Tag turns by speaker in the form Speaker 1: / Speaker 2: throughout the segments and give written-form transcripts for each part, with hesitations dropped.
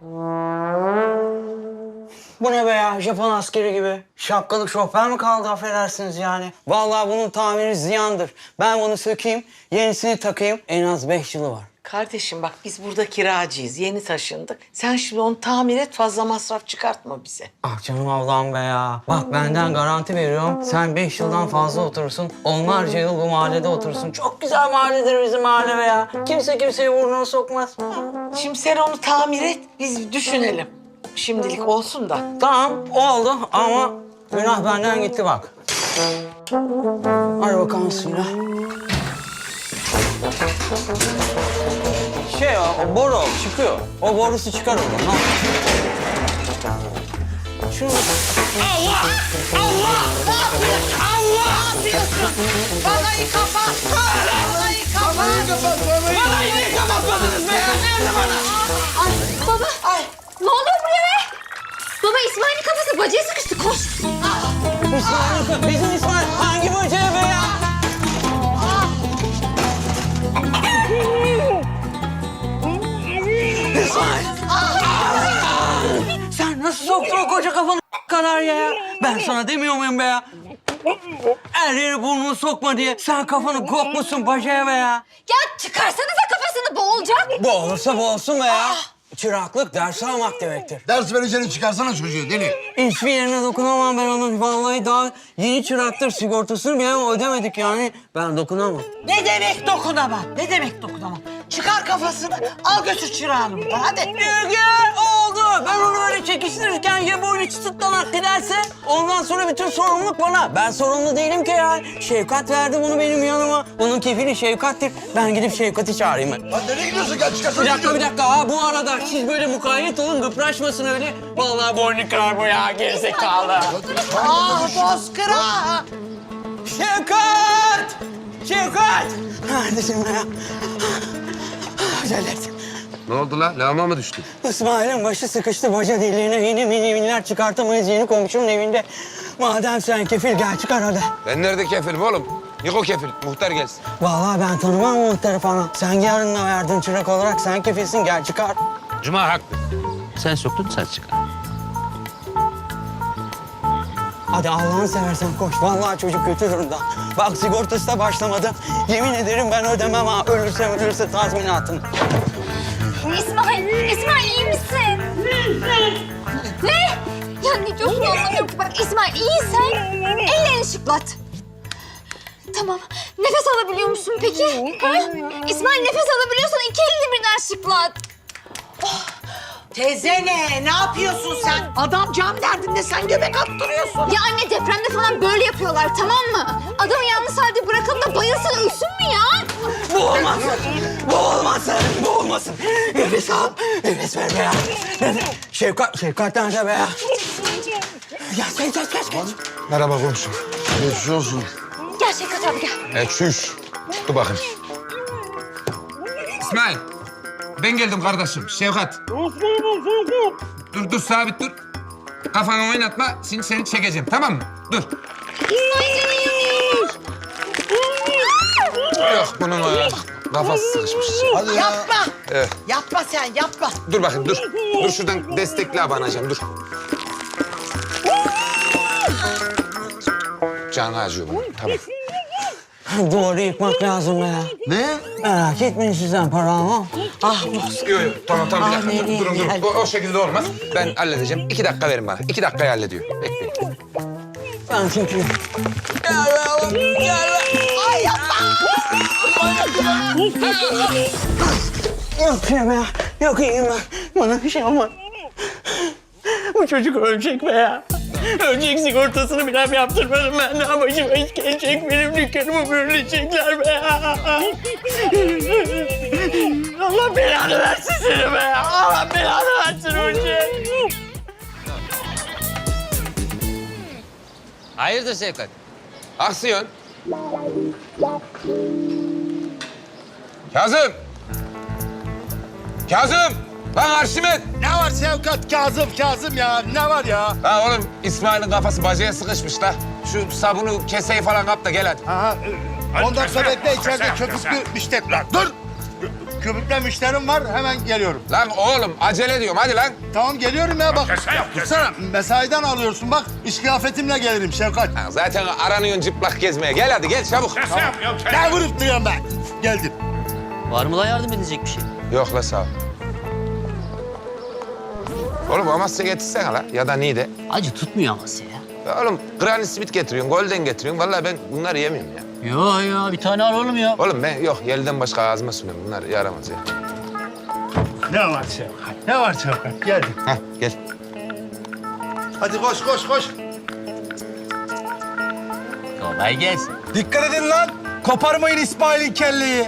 Speaker 1: Bu ne be ya? Japon askeri gibi. Şapkalık şoför mü kaldı affedersiniz yani? Vallahi bunun tamiri ziyandır. Ben bunu sökeyim, yenisini takayım. En az 5 yılı var.
Speaker 2: Kardeşim bak biz burada kiracıyız. Yeni taşındık. Sen şimdi onu tamir et, fazla masraf çıkartma bize.
Speaker 1: Ah canım ablam be ya. Bak benden garanti veriyorum. Sen 5 yıldan fazla oturursun. Onlarca yıl bu mahallede oturursun. Çok güzel mahalledir bizim mahalle be ya. Kimse kimseye burnunu sokmaz.
Speaker 2: Şimdi sen onu tamir et, biz düşünelim. Şimdilik olsun da.
Speaker 1: Tamam oldu ama günah benden gitti bak. Hadi bakalım suyla. O boru çıkıyor. O borusu çıkar oradan. Ha. Şunu...
Speaker 2: Allah! Allah! Ne yapıyorsun? Allah! Ne yapıyorsun? Vallahi kapat! Vallahi kapat! Vallahi niye kapatmadınız be? Nerede bana?
Speaker 3: Ay baba.
Speaker 2: Ay!
Speaker 3: Ne oluyor buraya be? Baba İsmail'in kafası bacaya sıkıştı. Koş.
Speaker 1: İsmail, bizim İsmail hangi böceğe be ya? İsmail! Sen nasıl soktun o koca kafanı kadar ya? Ben sana demiyor muyum be ya? Her yere burnunu sokma diye. Sen kafanı kokmuşsun bacaya be ya.
Speaker 3: Ya çıkarsanıza kafasını, boğulacak.
Speaker 1: Bu olursa bu olsun be ya. Çıraklık ders almak demektir.
Speaker 4: Ders vereceğini çıkarsana çocuğu deli.
Speaker 1: Hiçbir yerine dokunamam ben onun. Vallahi daha yeni çıraktır. Sigortasını bile ödemedik yani. Ben dokunamam.
Speaker 2: Ne demek dokunamam? Ne demek dokunamam? Çıkar kafasını, al götür çırağını buradan hadi.
Speaker 1: Gel oldu. Ben onu öyle çekiştirirken ya boynu çıtıtlanak giderse ondan sonra bütün sorumluluk bana. Ben sorumlu değilim ki ya. Şefkat verdi bunu benim yanıma. Bunun kefili Şefkat'tir. Ben gidip Şefkat'i çağırayım ben.
Speaker 4: Lan nereye gidiyorsun? Gel çıkarsana.
Speaker 1: Bir dakika. Ha, bu arada siz böyle mukayyet olun, gıpraşmasın öyle. Vallahi boynu kırar bu ya, gerizekalı.
Speaker 2: Ah bozkıra!
Speaker 1: Şefkat! Şefkat! Neredesin be ya? Acele et.
Speaker 4: Ne oldu lan? Lağma mı düştü?
Speaker 1: İsmail'in başı sıkıştı baca deliğine. Yeni miniminler çıkartamayız yeni komşunun evinde. Madem sen kefil gel çıkar hadi.
Speaker 5: Ben nerede kefilim oğlum? Yok o kefil. Muhtar gelsin.
Speaker 1: Vallahi ben tanımam muhtarı falan. Sen yarınla verdin çırak olarak sen kefilsin gel çıkar.
Speaker 6: Cuma haklı. Sen soktun sen çıkar.
Speaker 1: Hadi Allah'ını seversen koş. Vallahi çocuk kötü durumda. Bak sigortası da başlamadı. Yemin ederim ben ödemem ha. Ölürse tazminatını.
Speaker 3: İsmail iyi misin? Ne? Ya ne diyorsun anlamıyorum ki. Bak İsmail iyiysen ellerini şıklat. Tamam. Nefes alabiliyor musun peki? Ha? İsmail nefes alabiliyorsan iki elini birden şıklat.
Speaker 2: Teyze ne yapıyorsun sen? Adam can derdinde, sen göbek attırıyorsun.
Speaker 3: Ya anne depremde falan böyle yapıyorlar tamam mı? Adamı yalnız halde bırakalım da bayılsın ölsün mü ya?
Speaker 1: Bu olmasın. Bu olmasın. Bu olmasın. Nefes al. Nefes ver be ya. Şefkat nerede be ya? Ya geç.
Speaker 4: Merhaba komşu. Geçmiş olsun.
Speaker 3: Gel Şevkat abi gel.
Speaker 5: Çüş. Dur bakayım. İsmail. Ben geldim kardeşim. Şevkat. Dur sabit dur. Kafanı oynatma. Şimdi seni çekeceğim tamam mı? Dur. Yok bunun kafası sıkışmış.
Speaker 4: Hadi ya.
Speaker 2: Yapma.
Speaker 5: Evet.
Speaker 2: Yapma sen yapma.
Speaker 5: Dur bakayım dur. Dur şuradan destekle abanacağım dur. Canı acıyor bunun. Tamam.
Speaker 1: Duvarı yıkmak lazım be ya.
Speaker 4: Ne?
Speaker 1: Merak etmeyin sizden para almam.
Speaker 2: Ah bozkır.
Speaker 5: Yok tamam bir dakika.
Speaker 2: nereye
Speaker 5: Durun.
Speaker 2: geldi?
Speaker 5: O şekilde olmaz. Ben halledeceğim. 2 dakika verin bana. 2 dakikaya hallediyor. Bekleyin.
Speaker 1: Ben çekeyim. Gel be oğlum. Gel be.
Speaker 2: Ay yapma.
Speaker 1: Yok şey be ya. Yok iyiyim ben. Bana bir şey olmaz. Bu çocuk ölecek be ya. Ölecek sigortasını bile yaptırmadım ben. Daha başıma iş gelecek. Benim dükkanımı bölünecekler be ya. Allah belanı versin seni be ya. Allah belanı versin ölecek.
Speaker 6: Hayırdır Şevkat?
Speaker 5: Aksiyon. Kazım! Lan Arşimet!
Speaker 4: Ne var Şevkat? Kazım ya. Ne var ya?
Speaker 5: Ha oğlum İsmail'in kafası bacaya sıkışmış da. Şu sabunu keseyi falan kap da gel hadi.
Speaker 4: Aha. 10 dakika bekle içeride köpüklü müşteri. Lan dur. köpükle müşterim var. Hemen geliyorum.
Speaker 5: Lan oğlum acele ediyorum hadi lan.
Speaker 4: Tamam geliyorum ya bak. Dursana. Mesaiden alıyorsun bak. İş kıyafetimle gelirim Şevkat.
Speaker 5: Ha, zaten aranıyorsun çıplak gezmeye. Gel hadi gel çabuk.
Speaker 4: Ne vurup duruyorum ben? Geldim.
Speaker 7: Var mı la yardım edecek bir şey?
Speaker 5: Yok la sağ ol. Oğlum Amasya getirsene la ya da Niğde.
Speaker 7: Acı tutmuyor Amasya ya.
Speaker 5: Ya oğlum Granny Smith getiriyorsun, Golden getiriyorsun. Vallahi ben bunları yemiyorum ya.
Speaker 7: Yo bir tane al oğlum ya.
Speaker 5: Oğlum ben yok yelden başka ağzıma sürmüyorum. Bunlar yaramaz ya.
Speaker 4: Ne var Şevkat? Ne var Şevkat? Geldim.
Speaker 5: Hah gel.
Speaker 4: Hadi koş koş koş.
Speaker 7: Kolay gelsin.
Speaker 8: Dikkat edin lan. Koparmayın İsmail'in kelleyi.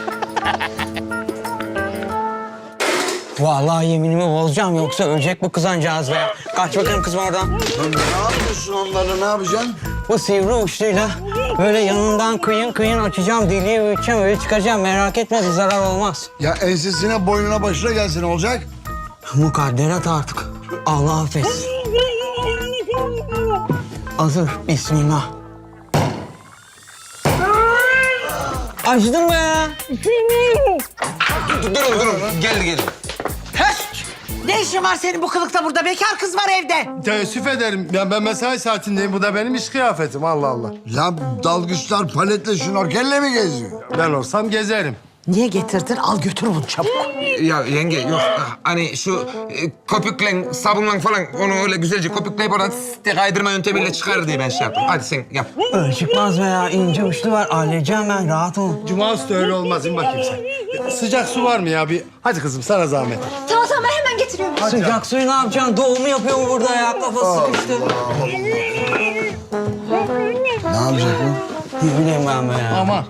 Speaker 1: Vallahi yeminimi bozacağım yoksa ölecek bu kızancağız be. Kaç bakayım kızım oradan.
Speaker 4: Ne yapıyorsun onları? Ne yapacaksın?
Speaker 1: Bu sivri uçluyla böyle yanından kıyın açacağım, deliği büyüteceğim, öyle çıkaracağım. Merak etme bir zarar olmaz.
Speaker 4: Ya ensesine, boynuna, başına gelsin olacak.
Speaker 1: Mukadderat artık. Allah affetsin. Hazır. Bismillah. Acıdım be.
Speaker 5: Durun. Geldi.
Speaker 2: Ne işin var senin bu kılıkta burada? Bekar kız var evde.
Speaker 4: Teessüf ederim. Ya ben mesai saatindeyim. Bu da benim iş kıyafetim. Allah Allah.
Speaker 9: Ya dalgıçlar paletle şnorkelle mi geziyor?
Speaker 4: Ben olsam gezerim.
Speaker 2: Niye getirdin? Al götür bunu çabuk.
Speaker 5: Ya yenge yok hani şu köpükle sabunla falan onu öyle güzelce köpükleyip oradan kaydırma yöntemiyle çıkar diye ben şey yaptım. Hadi sen yap.
Speaker 1: Öyle çıkmaz be ya. İnce uçlu var. Halledeceğim ben. Rahat ol.
Speaker 4: Cuma üstü öyle olmaz. İn bakayım sen. Sıcak su var mı ya? Bir... Hadi kızım sana zahmet.
Speaker 3: Tamam ben hemen getiriyorum.
Speaker 1: Sıcak suyu ne yapacaksın? Doğumu yapıyor mu burada ya? Kafası sıkıştı.
Speaker 9: Ne yapacak bu?
Speaker 1: Ne bileyim ben be ya.
Speaker 4: Aman.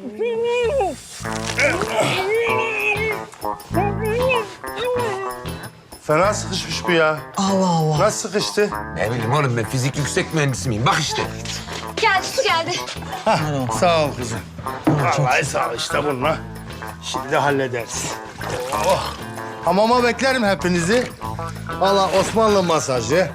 Speaker 4: Fena sıkışmış bu ya.
Speaker 1: Allah Allah.
Speaker 4: Nasıl sıkıştı?
Speaker 5: Ne bileyim oğlum ben fizik yüksek mühendisi miyim? Bak işte.
Speaker 3: Geldi su geldi.
Speaker 4: Sağ ol kızım. Vallahi sağ ol işte bununla. Şimdi hallederiz. Oh. Hamama beklerim hepinizi. Valla Osmanlı masajı.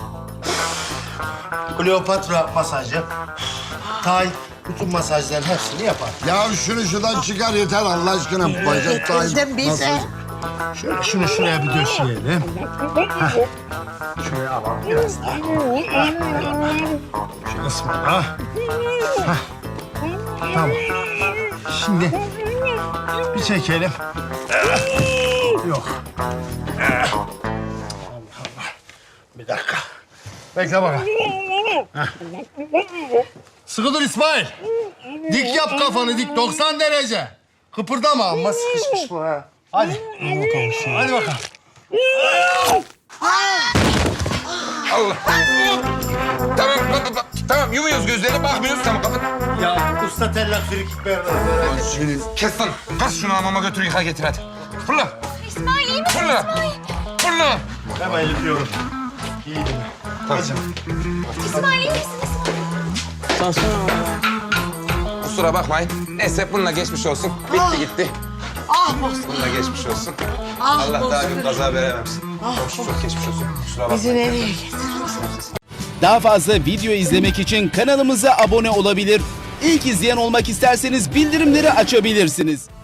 Speaker 4: Kleopatra masajı. Tay, bütün masajların hepsini yapar.
Speaker 9: Ya şunu şuradan çıkar yeter Allah aşkına. Bacak
Speaker 2: Getirdim bize.
Speaker 4: Şöyle şunu şuraya bir döşeyelim. Heh. Şuraya alalım biraz daha. Şu kısmına. Heh. Tamam. Şimdi bir çekelim. Yok. Allah Allah. Bir dakika. Bekle bakalım. Heh. Sıkı dur İsmail. Dik yap kafanı dik 90 derece. Kıpırdama ama sıkışmış bu ha. Hadi. Hadi bakalım.
Speaker 5: Allah. Tamam yumuyoruz gözleri bakmıyoruz tamam kapat.
Speaker 4: Ya usta tellak frikik ver.
Speaker 5: Kes lan. Kas şunu hamama götür yıka getir hadi. Fırla.
Speaker 3: İsmail iyi misin
Speaker 5: Fırla.
Speaker 3: İsmail?
Speaker 5: Fırla.
Speaker 4: Hemen yapıyorum. İyi. Hadi.
Speaker 3: İsmail iyi misin İsmail?
Speaker 5: Kusura bakmayın. Neyse bununla geçmiş olsun. Bitti gitti.
Speaker 2: Ah Bozkır.
Speaker 5: Bununla geçmiş olsun.
Speaker 2: Ah
Speaker 5: Allah daha bir
Speaker 2: Bozkır.
Speaker 5: kaza veremesin. Çok geçmiş olsun. Kusura
Speaker 2: Bizi
Speaker 5: bakmayın.
Speaker 2: nereye getirdin?
Speaker 10: Daha fazla video izlemek için kanalımıza abone olabilir. İlk izleyen olmak isterseniz bildirimleri açabilirsiniz.